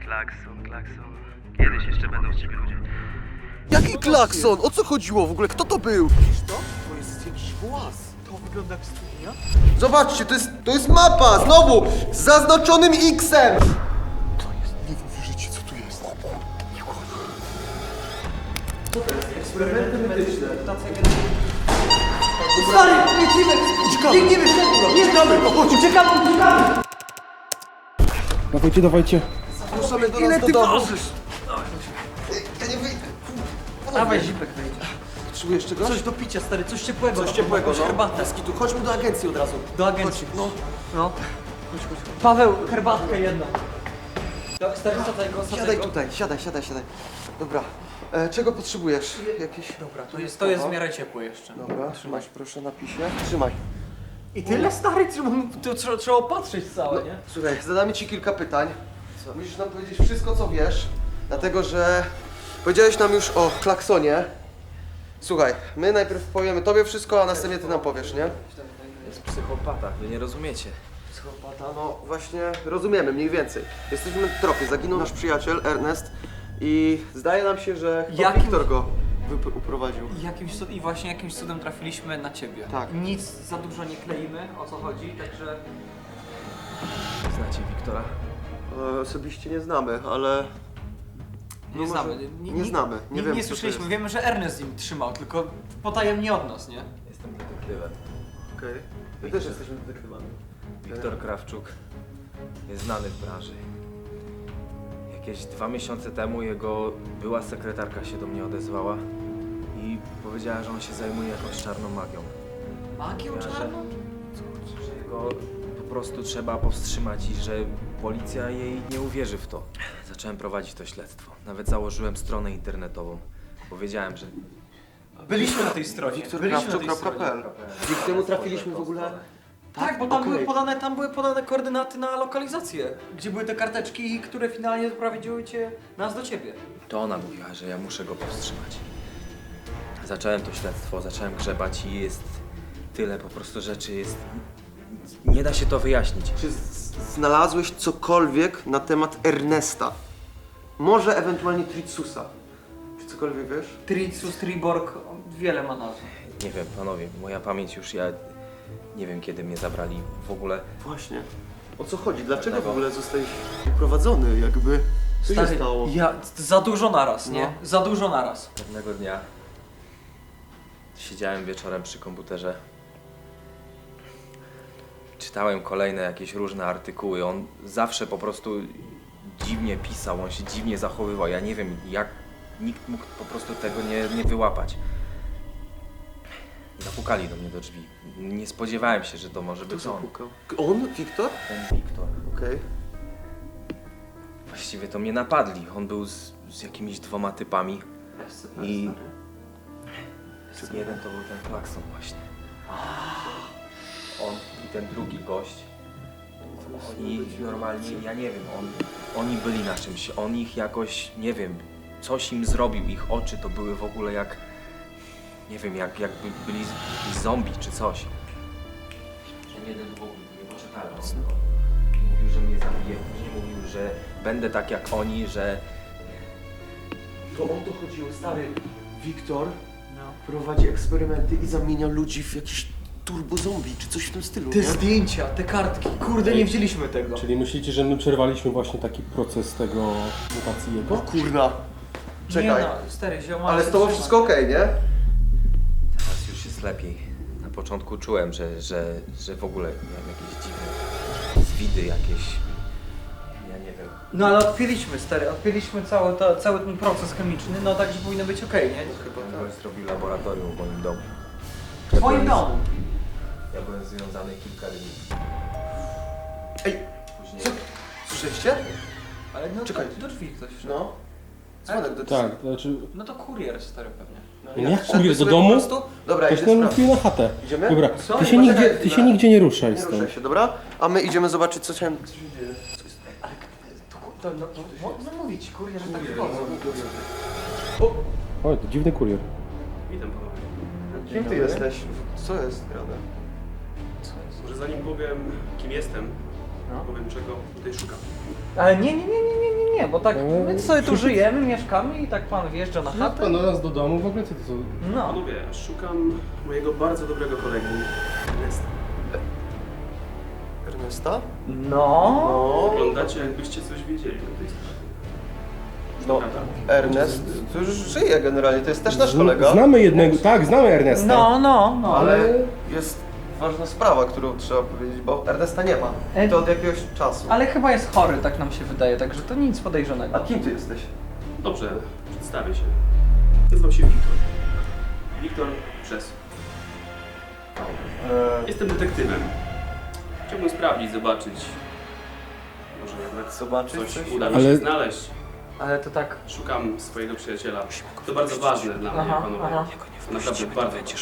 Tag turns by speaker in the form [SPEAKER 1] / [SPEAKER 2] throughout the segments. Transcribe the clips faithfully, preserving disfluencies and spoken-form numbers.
[SPEAKER 1] klakson, klakson. Kiedyś jeszcze będą z ciebie ludzie.
[SPEAKER 2] Jaki klakson? O co chodziło w ogóle? Kto to był?
[SPEAKER 3] Widzisz to? To jest jakiś głaz. To wygląda jak studnia.
[SPEAKER 2] Zobaczcie, to jest, to jest mapa! Znowu! Z zaznaczonym X-em!
[SPEAKER 3] To jest, nie wiem w życiu co tu jest.
[SPEAKER 2] Eksperymenty medyczne.
[SPEAKER 3] Stary, lecimy! Uciekamy! Biegniemy szybko! Nie uciekamy! Uciekamy, uciekamy!
[SPEAKER 4] Dawajcie, dawajcie.
[SPEAKER 2] Ruszamy do
[SPEAKER 3] Ile
[SPEAKER 2] nas do
[SPEAKER 3] ty
[SPEAKER 2] domu.
[SPEAKER 3] ważysz?
[SPEAKER 2] Ja nie wyjdę.
[SPEAKER 3] Dawaj, zipek wejdzie.
[SPEAKER 2] Potrzebujesz czegoś?
[SPEAKER 3] Coś do picia, stary, coś ciepłego.
[SPEAKER 2] Coś ciepłego,
[SPEAKER 3] jakąś
[SPEAKER 2] no.
[SPEAKER 3] herbatę.
[SPEAKER 2] Bez kitu. Chodźmy do agencji od razu.
[SPEAKER 3] Do agencji.
[SPEAKER 2] Chodź, no.
[SPEAKER 3] No. Chodź, chodź. Paweł, herbatkę jedną. To, stary, sadzaj go, sadzaj
[SPEAKER 2] Siadaj
[SPEAKER 3] go.
[SPEAKER 2] tutaj, siadaj, siadaj, siadaj. Dobra. E, czego potrzebujesz? Jakieś...
[SPEAKER 3] Dobra, to jest, to jest w miarę ciepłe jeszcze.
[SPEAKER 2] Dobra, trzymaj, proszę, napisie. Trzymaj.
[SPEAKER 3] I tyle, stary, trzeba, to trzeba, trzeba opatrzyć całe, nie?
[SPEAKER 2] Słuchaj, zadamy ci kilka pytań. Musisz nam powiedzieć wszystko, co wiesz, dlatego że powiedziałeś nam już o klaksonie. Słuchaj, my najpierw powiemy tobie wszystko, a następnie ty nam powiesz, nie?
[SPEAKER 5] Jest psychopata, wy nie rozumiecie.
[SPEAKER 2] Psychopata, no właśnie rozumiemy mniej więcej. Jesteśmy w tropie, zaginął nasz przyjaciel Ernest i zdaje nam się, że chyba
[SPEAKER 3] Jakim-
[SPEAKER 2] Wiktor go wyp- uprowadził.
[SPEAKER 3] I, jakimś, cud- I właśnie jakimś cudem trafiliśmy na ciebie.
[SPEAKER 2] Tak.
[SPEAKER 3] Nic za dużo nie kleimy, o co chodzi, także...
[SPEAKER 5] Znacie Wiktora?
[SPEAKER 2] E, osobiście nie znamy, ale...
[SPEAKER 3] Nie
[SPEAKER 2] No
[SPEAKER 3] znamy.
[SPEAKER 2] może-
[SPEAKER 3] Nie,
[SPEAKER 2] nie znamy, nie
[SPEAKER 3] nie,
[SPEAKER 2] wiemy,
[SPEAKER 3] nie
[SPEAKER 2] kto to
[SPEAKER 3] słyszeliśmy,
[SPEAKER 2] jest.
[SPEAKER 3] wiemy, że Ernest im trzymał, tylko potajemnie od nas, nie?
[SPEAKER 5] Jestem detektywem.
[SPEAKER 2] Okej. My też jesteśmy detektywami.
[SPEAKER 5] Wiktor Krawczuk jest znany w branży. Jakieś dwa miesiące temu jego była sekretarka się do mnie odezwała i powiedziała, że on się zajmuje jakąś czarną magią.
[SPEAKER 3] Magią
[SPEAKER 5] Ja, że-
[SPEAKER 3] czarną?
[SPEAKER 5] Że jego po prostu trzeba powstrzymać i że policja jej nie uwierzy w to. Zacząłem prowadzić to śledztwo. Nawet założyłem stronę internetową. Powiedziałem, że
[SPEAKER 3] Byliśmy na tej stronie.
[SPEAKER 2] wiktor
[SPEAKER 3] Byliśmy
[SPEAKER 2] krawczuk
[SPEAKER 3] na tej
[SPEAKER 2] kropka p l. Dzięki temu trafiliśmy w ogóle...
[SPEAKER 3] Tak, bo tam,
[SPEAKER 2] okej.
[SPEAKER 3] były podane, tam były podane koordynaty na lokalizację, gdzie były te karteczki, które finalnie doprowadziły cię, nas do ciebie.
[SPEAKER 5] to ona mówiła, że ja muszę go powstrzymać. Zacząłem to śledztwo, zacząłem grzebać i jest tyle po prostu rzeczy, jest... Nie da się to wyjaśnić.
[SPEAKER 2] Czy z- znalazłeś cokolwiek na temat Ernesta? Może ewentualnie Tritsusa? Czy cokolwiek wiesz?
[SPEAKER 3] Tritsus, Triborg, wiele ma nazw.
[SPEAKER 5] Nie wiem, panowie, moja pamięć już, ja nie wiem kiedy mnie zabrali w ogóle.
[SPEAKER 2] Właśnie. O co chodzi? Dlaczego w ogóle zostałeś uprowadzony? Jakby... Co się stało?
[SPEAKER 3] ja, za dużo naraz, nie?
[SPEAKER 2] No.
[SPEAKER 3] Za dużo naraz.
[SPEAKER 5] Pewnego dnia siedziałem wieczorem przy komputerze. Czytałem kolejne jakieś różne artykuły. On zawsze po prostu dziwnie pisał, on się dziwnie zachowywał. Ja nie wiem, jak nikt mógł po prostu tego nie, nie wyłapać. Zapukali do mnie do drzwi. Nie spodziewałem się, że to może
[SPEAKER 2] Kto
[SPEAKER 5] być on.
[SPEAKER 2] zapukał? On? Wiktor?
[SPEAKER 5] Ten Wiktor.
[SPEAKER 2] Okej.
[SPEAKER 5] Właściwie to mnie napadli. On był z, z jakimiś dwoma typami. I jeden to był ten klakson właśnie. On i ten drugi gość. Oni normalnie, ja nie wiem, on, oni byli na czymś. On ich jakoś, nie wiem, coś im zrobił. Ich oczy to były w ogóle jak, nie wiem, jak jakby byli jakiś zombie czy coś. Ten jeden w ogóle nie poczekałem. Mówił, że mnie zabije. Później mówił, że będę tak jak oni, że
[SPEAKER 2] To on to chodziło, stary. Wiktor prowadzi eksperymenty i zamienia ludzi w jakieś turbo zombie, czy coś w tym stylu,
[SPEAKER 3] Te
[SPEAKER 2] nie?
[SPEAKER 3] zdjęcia, te kartki, kurde, nie wzięliśmy tego.
[SPEAKER 4] Czyli myślicie, że my przerwaliśmy właśnie taki proces tego mutacji
[SPEAKER 2] O
[SPEAKER 4] jego?
[SPEAKER 2] kurna. Czekaj.
[SPEAKER 3] Nie no, stary, zioma.
[SPEAKER 2] Ale z tobą wszystko okej, nie?
[SPEAKER 5] teraz już jest lepiej. Na początku czułem, że, że, że w ogóle miałem jakieś dziwne zwidy, jakieś... Ja nie wiem.
[SPEAKER 3] No ale odpięliśmy, stary, odpięliśmy cały, to, cały ten proces chemiczny, no także powinno być okej, nie?
[SPEAKER 5] Chyba ktoś zrobił laboratorium w moim domu.
[SPEAKER 3] W twoim domu.
[SPEAKER 5] Ja byłem związany kilka dni.
[SPEAKER 2] Ej,
[SPEAKER 5] Później...
[SPEAKER 2] co? Słyszeliście?
[SPEAKER 3] Ale no
[SPEAKER 2] Czekaj.
[SPEAKER 3] do, do drzwi ktoś wszedł.
[SPEAKER 2] No. Dzwonek do
[SPEAKER 4] Tak, to znaczy...
[SPEAKER 3] No to kurier, stary, pewnie.
[SPEAKER 2] No,
[SPEAKER 4] Jak
[SPEAKER 2] wszedłeś
[SPEAKER 4] kurier do
[SPEAKER 2] sobie
[SPEAKER 4] domu?
[SPEAKER 2] po prostu? Dobra,
[SPEAKER 4] Ktoś
[SPEAKER 2] idę
[SPEAKER 4] nam
[SPEAKER 2] sprawdzić.
[SPEAKER 4] wpił na chatę.
[SPEAKER 2] Idziemy?
[SPEAKER 4] Dobra,
[SPEAKER 3] Co?
[SPEAKER 4] ty się,
[SPEAKER 2] Poczekaj
[SPEAKER 4] nigdzie, ty
[SPEAKER 2] chwilę.
[SPEAKER 4] się nigdzie nie ruszaj
[SPEAKER 2] Nie
[SPEAKER 4] stąd.
[SPEAKER 2] ruszaj się, dobra? A my idziemy zobaczyć, co się, co się dzieje.
[SPEAKER 3] To, no, no, no mówić, kurier, że tak wchodzą.
[SPEAKER 4] O, to dziwny kurier.
[SPEAKER 6] Witam panowie.
[SPEAKER 2] Kim ty jesteś? Co jest grane?
[SPEAKER 6] Może zanim powiem kim jestem,
[SPEAKER 3] No.
[SPEAKER 6] powiem czego tutaj szukam.
[SPEAKER 3] Ale nie, nie, nie, nie, nie, nie, nie. nie, bo tak
[SPEAKER 4] No,
[SPEAKER 3] my sobie tu
[SPEAKER 4] przecież-
[SPEAKER 3] żyjemy, mieszkamy i tak pan wjeżdża na
[SPEAKER 4] No
[SPEAKER 3] chatę.
[SPEAKER 4] pan do nas do domu, w ogóle co to są?
[SPEAKER 3] No.
[SPEAKER 6] Panowie, szukam mojego bardzo dobrego kolegi. Ernesta.
[SPEAKER 2] Ernesta?
[SPEAKER 3] No.
[SPEAKER 2] No,
[SPEAKER 6] Wyglądacie, jakbyście coś wiedzieli o tej sprawie.
[SPEAKER 2] no
[SPEAKER 6] Prawda?
[SPEAKER 2] Ernest to już żyje generalnie, to jest też nasz kolega.
[SPEAKER 4] Znamy jednego, tak, znamy Ernesta.
[SPEAKER 3] No, no, no.
[SPEAKER 2] Ale jest ważna sprawa, którą trzeba powiedzieć, bo Ernesta nie ma. I to od jakiegoś czasu.
[SPEAKER 3] Ale chyba jest chory, tak nam się wydaje, także to nic
[SPEAKER 2] A
[SPEAKER 3] podejrzanego.
[SPEAKER 2] kim ty jesteś?
[SPEAKER 6] Dobrze, przedstawię się. Nazywam się Wiktor. Wiktor Przes.
[SPEAKER 2] Eee,
[SPEAKER 6] Jestem detektywem. Chciałbym sprawdzić, zobaczyć. Może jednak
[SPEAKER 2] Zobaczyć
[SPEAKER 6] coś,
[SPEAKER 2] coś?
[SPEAKER 6] uda mi
[SPEAKER 4] Ale-
[SPEAKER 6] się znaleźć.
[SPEAKER 3] Ale to tak...
[SPEAKER 6] Szukam swojego przyjaciela. To bardzo ważne dla mnie,
[SPEAKER 3] Aha,
[SPEAKER 6] panowie.
[SPEAKER 3] aha.
[SPEAKER 6] Naprawdę bardzo ważne.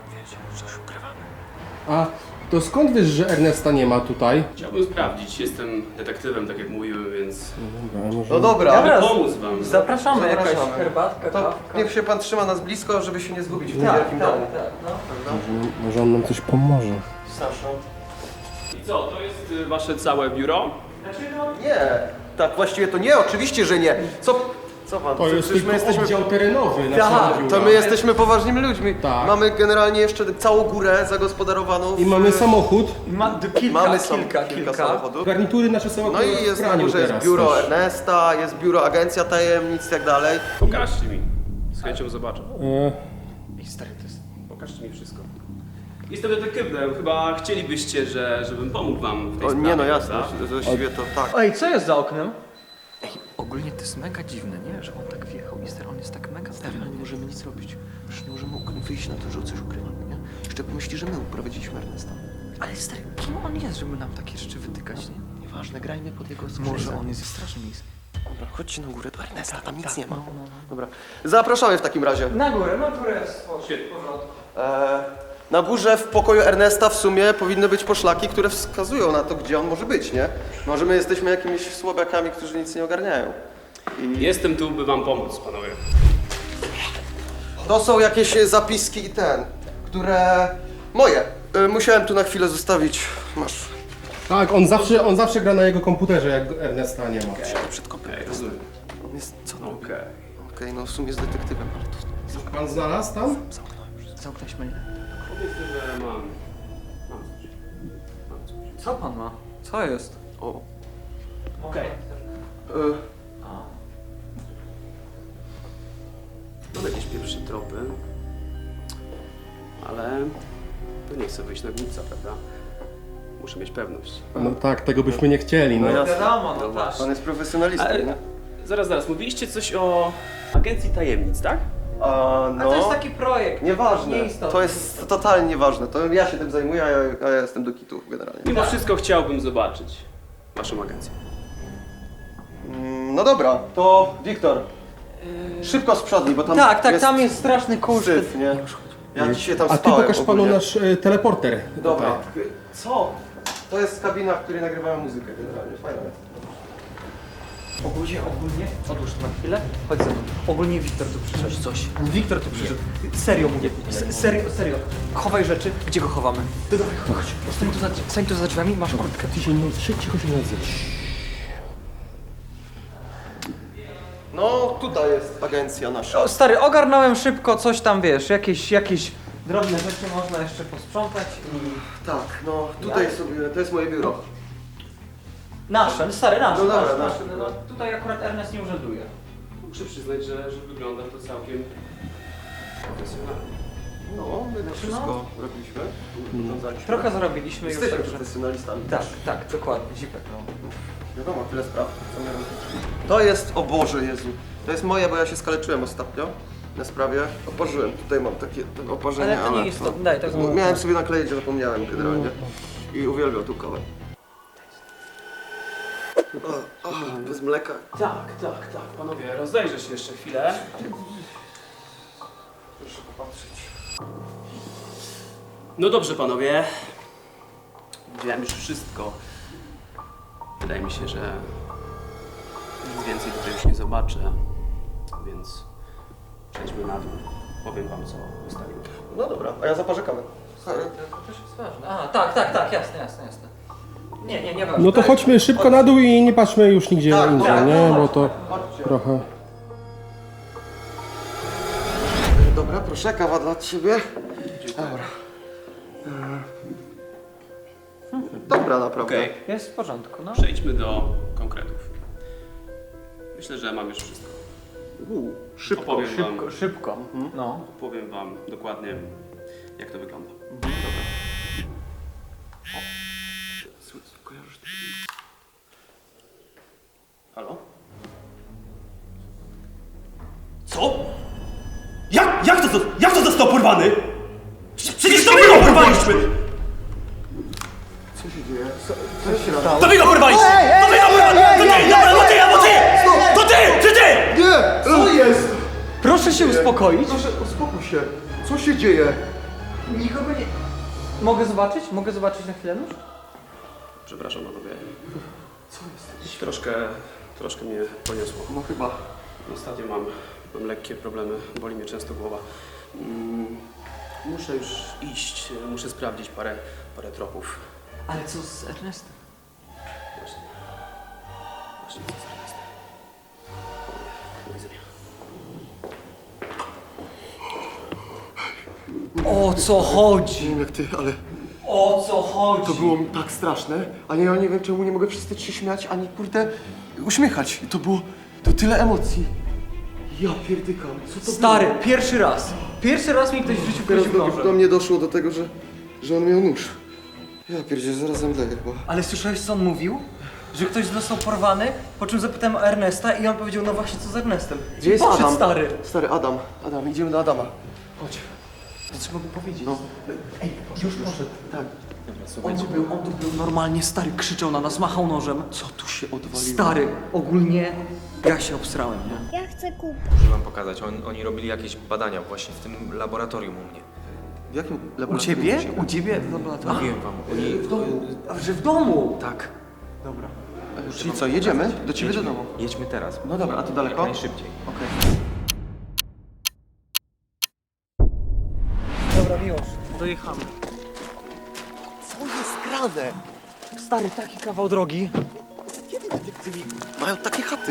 [SPEAKER 4] A to skąd wiesz, że Ernesta nie ma tutaj?
[SPEAKER 6] Chciałbym sprawdzić. Jestem detektywem, tak jak mówiłem, więc
[SPEAKER 4] Dobra, może...
[SPEAKER 2] No dobra,
[SPEAKER 3] Dobra.
[SPEAKER 6] mogę pomóc wam.
[SPEAKER 3] Zapraszamy,
[SPEAKER 2] Zapraszamy.
[SPEAKER 3] jakaś herbatka,
[SPEAKER 2] to
[SPEAKER 3] kawka.
[SPEAKER 2] niech się pan trzyma nas blisko, żeby się nie zgubić w tym
[SPEAKER 3] Tak,
[SPEAKER 2] wielkim
[SPEAKER 3] tak,
[SPEAKER 2] domu.
[SPEAKER 3] tak, no.
[SPEAKER 2] Prawda?
[SPEAKER 4] Może, może on nam coś pomoże.
[SPEAKER 2] Sasza?
[SPEAKER 6] I co, to jest y, wasze całe biuro?
[SPEAKER 2] Nie, tak właściwie to nie, oczywiście, że nie. Co, co pan?
[SPEAKER 4] To jest
[SPEAKER 2] Przecież
[SPEAKER 4] tylko oddział terenowy naszego
[SPEAKER 2] Tak,
[SPEAKER 4] biura.
[SPEAKER 2] to my jesteśmy poważnymi ludźmi.
[SPEAKER 4] Tak.
[SPEAKER 2] Mamy generalnie jeszcze całą górę zagospodarowaną.
[SPEAKER 4] I
[SPEAKER 2] w-
[SPEAKER 4] mamy samochód.
[SPEAKER 3] Ma d- kilka,
[SPEAKER 2] Mamy sam-
[SPEAKER 3] kilka,
[SPEAKER 2] kilka
[SPEAKER 3] kilka.
[SPEAKER 2] samochodów.
[SPEAKER 4] Garnitury nasze są
[SPEAKER 2] No
[SPEAKER 4] akurat
[SPEAKER 2] i jest
[SPEAKER 4] w
[SPEAKER 2] na
[SPEAKER 4] praniu
[SPEAKER 2] górze jest
[SPEAKER 4] teraz
[SPEAKER 2] biuro
[SPEAKER 4] też.
[SPEAKER 2] Ernesta, jest biuro Agencja Tajemnic i tak dalej.
[SPEAKER 6] Pokażcie mi. Z chęcią zobaczę.
[SPEAKER 4] E,
[SPEAKER 6] Ej, stary, to jest... Pokażcie mi wszystko. Jestem detektywem. Chyba chcielibyście, że, żebym pomógł wam w tej
[SPEAKER 2] O,
[SPEAKER 6] sprawie,
[SPEAKER 2] nie no jasne,
[SPEAKER 6] prawda?
[SPEAKER 2] właściwie to tak.
[SPEAKER 3] Ej, co jest za oknem?
[SPEAKER 7] Ej, ogólnie to jest mega dziwne, nie? Że on tak wjechał i stary, on jest tak mega pewny.
[SPEAKER 8] Ale nie możemy nic robić. Już nie możemy ukry- wyjść na to, że coś ukrywamy, nie? Jeszcze pomyśli, że my uprowadziliśmy Ernesta.
[SPEAKER 7] Ale stary, kim on jest, żeby nam takie rzeczy wytykać, nie?
[SPEAKER 8] Nieważne, grajmy pod jego
[SPEAKER 7] Może
[SPEAKER 8] skrzydła.
[SPEAKER 7] on jest strasznie niski.
[SPEAKER 8] Dobra, chodźcie na górę do Ernesta, tam nic nie ma.
[SPEAKER 2] Dobra. Zapraszamy w takim razie.
[SPEAKER 3] Na górę, na górę jest w
[SPEAKER 6] Świetnie.
[SPEAKER 3] porządku.
[SPEAKER 2] E, na górze w pokoju Ernesta w sumie powinny być poszlaki, które wskazują na to, gdzie on może być, nie? Może my jesteśmy jakimiś słabiakami, którzy nic nie ogarniają.
[SPEAKER 6] Jestem tu, by wam pomóc, panowie.
[SPEAKER 2] To są jakieś e, zapiski i ten, które... moje. E, musiałem tu na chwilę zostawić. Masz.
[SPEAKER 4] tak, on zawsze, on zawsze gra na jego komputerze, jak Ernesta nie ma.
[SPEAKER 8] Przed kopem.
[SPEAKER 6] Okej, rozumiem.
[SPEAKER 2] On jest... co on robi?
[SPEAKER 6] Okej.
[SPEAKER 2] Okej, no w sumie jest detektywem, ale to...
[SPEAKER 4] Pan znalazł tam?
[SPEAKER 7] Zamknęliśmy, nie?
[SPEAKER 6] Powiedzmy, że mam... Mam coś. Mam coś.
[SPEAKER 3] Co pan ma? Co jest?
[SPEAKER 2] O.
[SPEAKER 6] Okej.
[SPEAKER 2] E,
[SPEAKER 6] Mam jakieś pierwsze tropy. Ale... To nie chcę wyjść na głupca, prawda? Muszę mieć pewność.
[SPEAKER 4] No tak, tego byśmy nie chcieli, no.
[SPEAKER 2] No jasne.
[SPEAKER 3] Wiadomo, no tak.
[SPEAKER 2] Pan jest profesjonalistą,
[SPEAKER 6] Ale-
[SPEAKER 2] nie?
[SPEAKER 6] Zaraz, zaraz. Mówiliście coś o Agencji Tajemnic, tak?
[SPEAKER 2] A,
[SPEAKER 3] A
[SPEAKER 2] no...
[SPEAKER 3] to jest taki projekt.
[SPEAKER 2] Nieważne.
[SPEAKER 3] Nieistotny.
[SPEAKER 2] To jest totalnie nieważne. To ja się tym zajmuję, a ja, a ja jestem do kitu generalnie.
[SPEAKER 6] Mimo wszystko chciałbym zobaczyć waszą agencję.
[SPEAKER 2] Mm, no dobra, to Wiktor. Szybko z przodni, bo tam
[SPEAKER 3] Tak, tak,
[SPEAKER 2] jest
[SPEAKER 3] tam jest straszny kurz.
[SPEAKER 2] syf, nie? Ja dzisiaj tam
[SPEAKER 4] A ty
[SPEAKER 2] spałem
[SPEAKER 4] pokaż panu
[SPEAKER 2] ogólnie.
[SPEAKER 4] nasz e, teleporter.
[SPEAKER 2] Dobra.
[SPEAKER 4] Tutaj.
[SPEAKER 2] Co? To jest kabina, w której nagrywają muzykę generalnie. Fajna jest.
[SPEAKER 3] Ogólnie, ogólnie, odłóż to na chwilę, chodź ze mną. Ogólnie Wiktor tu przyszedł. Coś, coś. Wiktor tu przyszedł. Serio mówię, S- serio, serio. Chowaj rzeczy, gdzie go chowamy? Ty dawaj, chodź.
[SPEAKER 7] Stań tu za, stań tu za drzwiami, masz kurtkę.
[SPEAKER 4] Ty się nie cicho się nie odzywasz.
[SPEAKER 2] No, tutaj jest agencja nasza.
[SPEAKER 3] O, stary, ogarnąłem szybko coś tam, wiesz, jakieś, jakieś drobne rzeczy można jeszcze posprzątać i...
[SPEAKER 2] Tak, no tutaj sobie, to jest moje biuro.
[SPEAKER 3] Nasze, stary, nasze,
[SPEAKER 2] No dobra,
[SPEAKER 3] nasze,
[SPEAKER 2] nasze.
[SPEAKER 3] nasze. No, tutaj akurat Ernest nie urzęduje.
[SPEAKER 6] Muszę przyznać, że, że wygląda to całkiem profesjonalnie.
[SPEAKER 2] No, my to wszystko robiliśmy. urządzaliśmy.
[SPEAKER 3] Trochę zarobiliśmy już,
[SPEAKER 2] Jesteśmy
[SPEAKER 3] także...
[SPEAKER 2] profesjonalistami.
[SPEAKER 3] Tak, tak, dokładnie, zipek, no.
[SPEAKER 2] Wiadomo, tyle spraw. Co my robimy. To jest, o Boże Jezu, to jest moje, bo ja się skaleczyłem ostatnio na sprawie. Oparzyłem, tutaj mam takie te oparzenie,
[SPEAKER 3] Ale to nie jest to, daj, tak
[SPEAKER 2] no, miałem sobie nakleić, że zapomniałem generalnie. I uwielbiam tą kawę. O, o, bez mleka.
[SPEAKER 6] Tak, tak, tak. Panowie, rozejrzę się jeszcze chwilę.
[SPEAKER 2] Proszę popatrzeć.
[SPEAKER 6] No dobrze, panowie. Widziałem już wszystko. Wydaje mi się, że nic więcej tutaj już nie zobaczę. Więc przejdźmy na dół. Powiem wam, co ustaliłem.
[SPEAKER 2] No dobra, a ja zaparzę kawę.
[SPEAKER 3] To też jest ważne. A, tak, tak, tak, jasne, jasne, jasne. Nie, nie, nie ma.
[SPEAKER 4] No to chodźmy szybko na dół i nie patrzmy już nigdzie
[SPEAKER 2] Tak,
[SPEAKER 4] indziej,
[SPEAKER 2] tak,
[SPEAKER 4] nie?
[SPEAKER 3] no,
[SPEAKER 4] Bo to
[SPEAKER 2] Chodźcie.
[SPEAKER 4] trochę...
[SPEAKER 2] Dobra, proszę, kawa dla ciebie. Dobra. Dobra, naprawdę.
[SPEAKER 6] Okej,
[SPEAKER 3] Jest w porządku, no.
[SPEAKER 6] przejdźmy do konkretów. Myślę, że mam już wszystko.
[SPEAKER 2] U, szybko.
[SPEAKER 6] Opowiem wam,
[SPEAKER 3] Szybko, szybko. No.
[SPEAKER 6] opowiem wam dokładnie, jak to wygląda.
[SPEAKER 8] Kojarzysz to?
[SPEAKER 6] Halo? Co? Jak, jak to, jak to został porwany? Przecież to my go porwaliśmy!
[SPEAKER 2] Co się dzieje? Co, co się stało?
[SPEAKER 6] To wy go porwaliście! To wy go porwaliście! To ty, dobra, to ty, to ty! To ty, czy ty!
[SPEAKER 2] Nie! Co jest?
[SPEAKER 3] Proszę się uspokoić.
[SPEAKER 2] Proszę, uspokój się. Co się dzieje?
[SPEAKER 3] Nikogo nie... Mogę zobaczyć? Mogę zobaczyć na chwilę nóż?
[SPEAKER 6] Przepraszam panowie. Co jest? Troszkę, troszkę mnie poniosło.
[SPEAKER 2] No chyba.
[SPEAKER 6] Ostatnio mam, mam lekkie problemy, boli mnie często głowa. Mm, muszę już iść, muszę sprawdzić parę, parę tropów.
[SPEAKER 3] Ale co z Ernestem?
[SPEAKER 6] Właśnie. Właśnie co z Ernestem. Do widzenia.
[SPEAKER 3] O co chodzi?
[SPEAKER 2] Nie wiem jak ty, ale
[SPEAKER 3] O co chodzi?
[SPEAKER 2] to było tak straszne. A ja nie wiem czemu nie mogę przestać się śmiać, ani kurde uśmiechać. I to było, to tyle emocji. Ja pierdykam, co to
[SPEAKER 3] Stary,
[SPEAKER 2] było?
[SPEAKER 3] pierwszy raz. Pierwszy raz mi ktoś w życiu
[SPEAKER 2] Teraz
[SPEAKER 3] wchodził
[SPEAKER 2] do, do
[SPEAKER 3] nożem.
[SPEAKER 2] mnie doszło do tego, że, że on miał nóż. Ja pierdzielę, zaraz zemdleję chyba.
[SPEAKER 3] Ale słyszałeś co on mówił? Że ktoś został porwany, po czym zapytałem o Ernesta i on powiedział, no właśnie co z Ernestem.
[SPEAKER 2] Gdzie jest
[SPEAKER 3] Poszedł
[SPEAKER 2] Adam?
[SPEAKER 3] stary.
[SPEAKER 2] Stary, Adam. Adam, idziemy do Adama. Chodź.
[SPEAKER 3] To trzeba mu powiedzieć.
[SPEAKER 2] No.
[SPEAKER 3] Ej, już poszedł.
[SPEAKER 2] Tak.
[SPEAKER 3] On tu był, on tu był normalnie, stary, krzyczał na nas, machał nożem.
[SPEAKER 2] Co tu się odwaliło?
[SPEAKER 3] Stary, ogólnie ja się obstrałem, nie?
[SPEAKER 9] Ja chcę kupić.
[SPEAKER 5] Muszę wam pokazać, On, oni robili jakieś badania właśnie w tym laboratorium u mnie.
[SPEAKER 2] W jakim
[SPEAKER 3] U
[SPEAKER 2] laboratorium?
[SPEAKER 3] ciebie? U ciebie? w laboratorium?
[SPEAKER 5] Mówiłem wam, oni...
[SPEAKER 3] W domu. A, że w domu?
[SPEAKER 5] Tak.
[SPEAKER 3] Dobra.
[SPEAKER 2] Czyli co, jedziemy? Do ciebie do domu.
[SPEAKER 5] Jedźmy teraz.
[SPEAKER 2] No dobra, a to daleko?
[SPEAKER 5] Jak najszybciej.
[SPEAKER 2] Okej.
[SPEAKER 3] Dobra, miłość, dojechamy.
[SPEAKER 2] Co jest grane?
[SPEAKER 3] Stary, taki kawał drogi.
[SPEAKER 2] Kiedy detektywi mają takie chaty?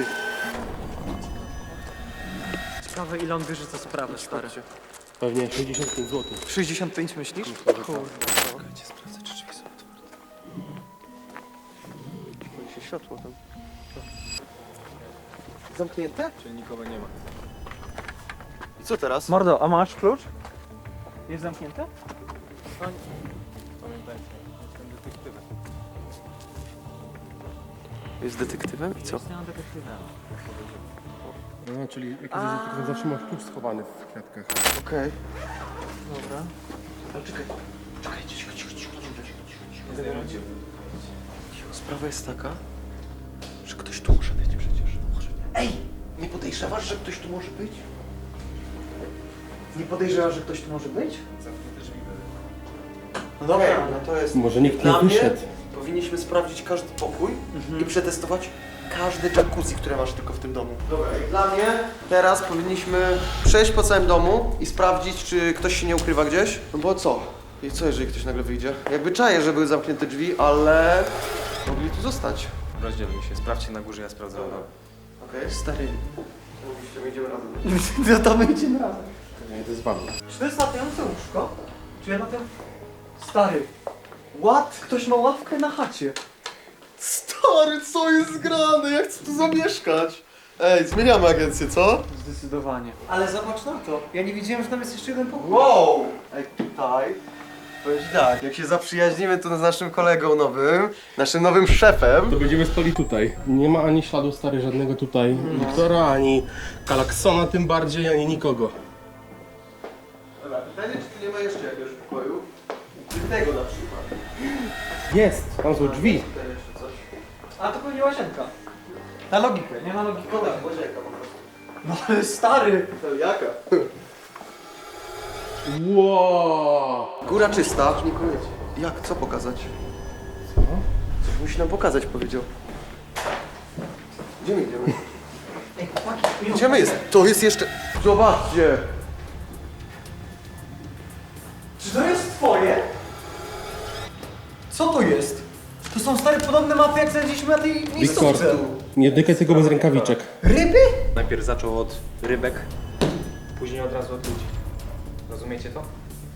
[SPEAKER 3] Ciekawe ile on bierze za sprawę, stary.
[SPEAKER 4] Pewnie sześćdziesiąt pięć złotych.
[SPEAKER 3] sześćdziesiąt pięć myślisz? Kurde.
[SPEAKER 2] Czekajcie, sprawdzę, czy drzwi są otwarte. Pali się światło tam. Zamknięte?
[SPEAKER 5] Czyli nikogo nie ma.
[SPEAKER 2] I co teraz?
[SPEAKER 3] Mordo, a masz klucz? Jest zamknięte?
[SPEAKER 5] Pamiętajcie, jestem detektywem.
[SPEAKER 2] Jest detektywem i co?
[SPEAKER 3] Jestem detektywem.
[SPEAKER 4] No, czyli jak jesteś detektywem, zawsze masz klucz schowany w kwiatkach.
[SPEAKER 2] Okej.
[SPEAKER 3] Dobra.
[SPEAKER 2] Ale czekaj, czekaj, cicho, cicho, cicho, cicho, cicho, cicho. Cicho, sprawa jest taka, że ktoś tu może być przecież. Może. Ej! Nie podejrzewasz, że ktoś tu może być?
[SPEAKER 3] Nie podejrzewasz, że ktoś tu może być?
[SPEAKER 2] No dobra, no to jest...
[SPEAKER 4] Może nikt nie
[SPEAKER 2] Dla mnie
[SPEAKER 4] wyszedł.
[SPEAKER 2] powinniśmy sprawdzić każdy pokój i przetestować każde jacuzzi, które masz tylko w tym domu. Dobra, i dla mnie teraz powinniśmy przejść po całym domu i sprawdzić, czy ktoś się nie ukrywa gdzieś. No bo co? I co, jeżeli ktoś nagle wyjdzie? Jakby czaję, że były zamknięte drzwi, ale mogli tu zostać.
[SPEAKER 5] Rozdzielmy się, sprawdźcie na górze, ja sprawdzę na dole.
[SPEAKER 2] Okej?
[SPEAKER 3] Stary.
[SPEAKER 2] Mówiście, my idziemy razem.
[SPEAKER 3] No to my idziemy razem.
[SPEAKER 4] Ja idę z wami.
[SPEAKER 3] Czy to jest latające łóżko? Czy ja na tym... Stary. What? Ktoś ma ławkę na chacie.
[SPEAKER 2] Stary, co jest grane? Ja chcę tu zamieszkać. Ej, zmieniamy agencję, co?
[SPEAKER 3] Zdecydowanie. Ale zobacz na to. Ja nie wiedziałem, że tam jest jeszcze jeden pokój.
[SPEAKER 2] Wow! Ej, tutaj, powiem ci tak, jak się zaprzyjaźnimy tu z naszym kolegą nowym, naszym nowym szefem.
[SPEAKER 4] To będziemy spali tutaj. Nie ma ani śladu stary żadnego tutaj. Wiktora, ani Kalaksona tym bardziej, ani nikogo.
[SPEAKER 2] Dobra, pytanie, czy tu nie ma jeszcze jakiegoś pokoju? Ukrytego na przykład.
[SPEAKER 4] Jest! Tam są drzwi.
[SPEAKER 2] Tutaj jeszcze coś.
[SPEAKER 3] A to pewnie łazienka. Na logikę, nie na logikę.
[SPEAKER 2] No tak, łazienka po prostu.
[SPEAKER 3] No ale stary.
[SPEAKER 2] To jaka?
[SPEAKER 4] Wow!
[SPEAKER 2] Góra czysta. Jak? Co pokazać? Co? Coś musi nam pokazać, powiedział. Gdzie my idziemy?
[SPEAKER 3] Ej, chłopaki,
[SPEAKER 2] Gdzie my jest? To jest jeszcze... Zobaczcie!
[SPEAKER 3] Czy to jest twoje? Co to jest? To są są stare podobne mapy, jak znaleźliśmy na tej
[SPEAKER 4] Wiktor,
[SPEAKER 3] miejscówce.
[SPEAKER 4] nie dotykaj tego bez rękawiczek.
[SPEAKER 3] Ryby?
[SPEAKER 5] Najpierw zaczął od rybek, później od razu od ludzi. Rozumiecie to?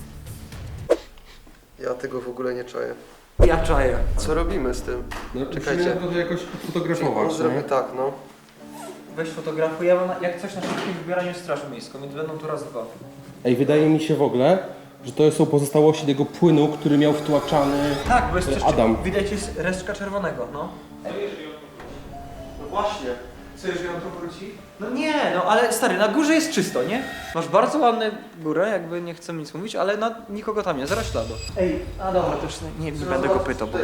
[SPEAKER 2] Ja tego w ogóle nie czaję.
[SPEAKER 3] Ja czaję.
[SPEAKER 2] Co robimy z tym?
[SPEAKER 4] No,
[SPEAKER 2] Czekajcie.
[SPEAKER 4] musimy to jakoś fotografować,
[SPEAKER 2] On zrobi tak, no.
[SPEAKER 3] Weź fotografuj, ja mam na- jak coś na szybkim wybieraniu straż miejską, więc będą tu raz dwa.
[SPEAKER 4] Ej, wydaje mi się w ogóle, że to są pozostałości tego płynu, który miał wtłaczany
[SPEAKER 3] Tak, bo jest
[SPEAKER 4] e,
[SPEAKER 3] coś,
[SPEAKER 4] Adam.
[SPEAKER 3] widać jest resztka czerwonego, no.
[SPEAKER 2] No właśnie.
[SPEAKER 3] Co, jeżeli on tu wróci? No nie, no ale stary, na górze jest czysto, nie? Masz bardzo ładną górę, jakby nie chcę nic mówić, ale na, nikogo tam nie, zero śladu. Ej, a dobra, to już nie, nie będę go pytał. Bo...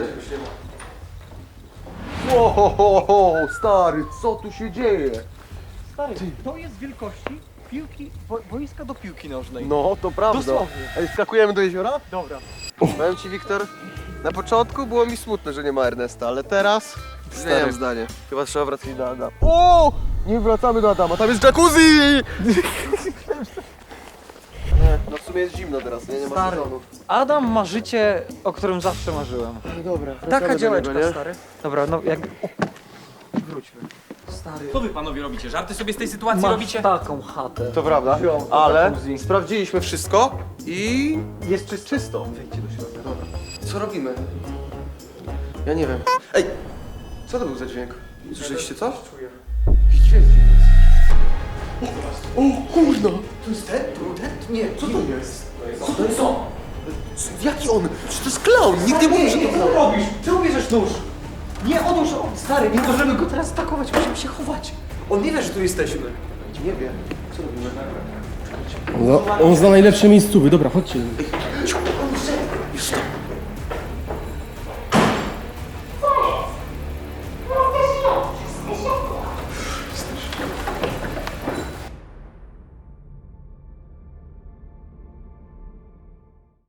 [SPEAKER 2] Łohohoho, stary, co tu się dzieje?
[SPEAKER 3] Stary, to jest wielkości piłki, bo, boiska do piłki nożnej.
[SPEAKER 2] No, to prawda.
[SPEAKER 3] Dosłownie.
[SPEAKER 2] Ej, skakujemy do jeziora?
[SPEAKER 3] Dobra.
[SPEAKER 2] Powiem ci, Wiktor, na początku było mi smutno, że nie ma Ernesta, ale teraz zmieniam zdanie. Chyba trzeba wracać do Adama. O! Nie wracamy do Adama, tam jest jacuzzi! Nie, no w sumie jest zimno teraz, nie, nie ma
[SPEAKER 3] Stary.
[SPEAKER 2] sezonu.
[SPEAKER 3] Adam ma życie, o którym zawsze marzyłem.
[SPEAKER 2] No dobra,
[SPEAKER 3] Taka
[SPEAKER 2] wracamy do
[SPEAKER 3] działeczka,
[SPEAKER 2] niego, nie?
[SPEAKER 3] stary. Dobra, no jak... O, wróćmy. Stary,
[SPEAKER 5] Co wy panowie robicie? Żarty sobie z tej sytuacji
[SPEAKER 3] masz
[SPEAKER 5] robicie?
[SPEAKER 3] taką chatę.
[SPEAKER 2] To prawda,
[SPEAKER 3] Wziął
[SPEAKER 2] ale
[SPEAKER 3] jacuzzi.
[SPEAKER 2] sprawdziliśmy wszystko i
[SPEAKER 3] Jest czysto.
[SPEAKER 2] czysto. Wejdźcie do środka, dobra. Co robimy? Ja nie wiem. Ej! Co to był za dźwięk? Słyszeliście coś?
[SPEAKER 3] Czuję.
[SPEAKER 2] Jakiś dźwięk dziwny. O, o kurna! To jest ten? To był ten? Nie, co to jest? Co to jest on? Jaki on? Czy to jest klaun? Nikt nie mówi, że to
[SPEAKER 3] Co
[SPEAKER 2] klaun.
[SPEAKER 3] robisz? Czemu bierzesz nóż? Nie, odłóż, o, stary, nie możemy go teraz atakować, musimy się chować. On nie wie, że tu jesteśmy.
[SPEAKER 2] Nie wiem. Co robimy?
[SPEAKER 4] No, on zna najlepsze miejscówy, dobra, chodźcie.
[SPEAKER 2] Ciu,